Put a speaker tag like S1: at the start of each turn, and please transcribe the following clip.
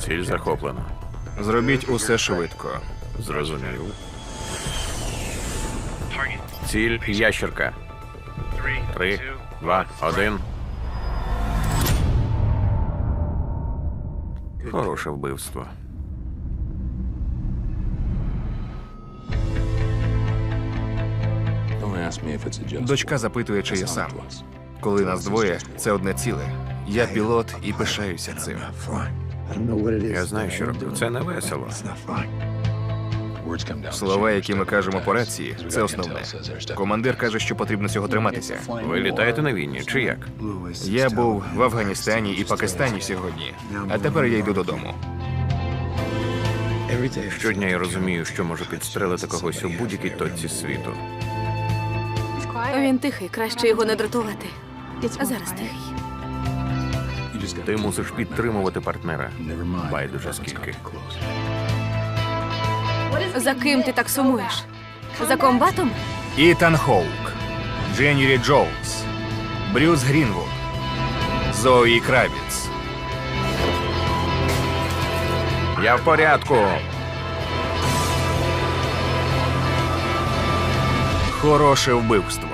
S1: Ціль захоплено.
S2: Зробіть усе швидко.
S1: Зрозумів. Ціль ящерка. 3, 2, 1. Хороше вбивство.
S2: Дочка запитує, чи я сам. Коли нас двоє, це одне ціле. Я пілот і пишаюся цим.
S1: Я знаю, що роблю. Це не весело.
S2: Слова, які ми кажемо по рації, це основне. Командир каже, що потрібно цього триматися.
S1: Ви літаєте на війні, чи як?
S2: Я був в Афганістані і Пакистані сьогодні, а тепер я йду додому.
S1: Щодня я розумію, що можу підстрелити когось у будь-якій точці світу.
S3: Він тихий, краще його не дратувати. А зараз тихий.
S1: Ти мусиш підтримувати партнера. Байдуже скільки.
S3: За ким ти так сумуєш? За комбатом?
S2: Ітан Хоук, Дженні Лі Джоулс, Брюс Грінвуд, Зої Кравіц.
S1: Я в порядку.
S2: Хороше вбивство.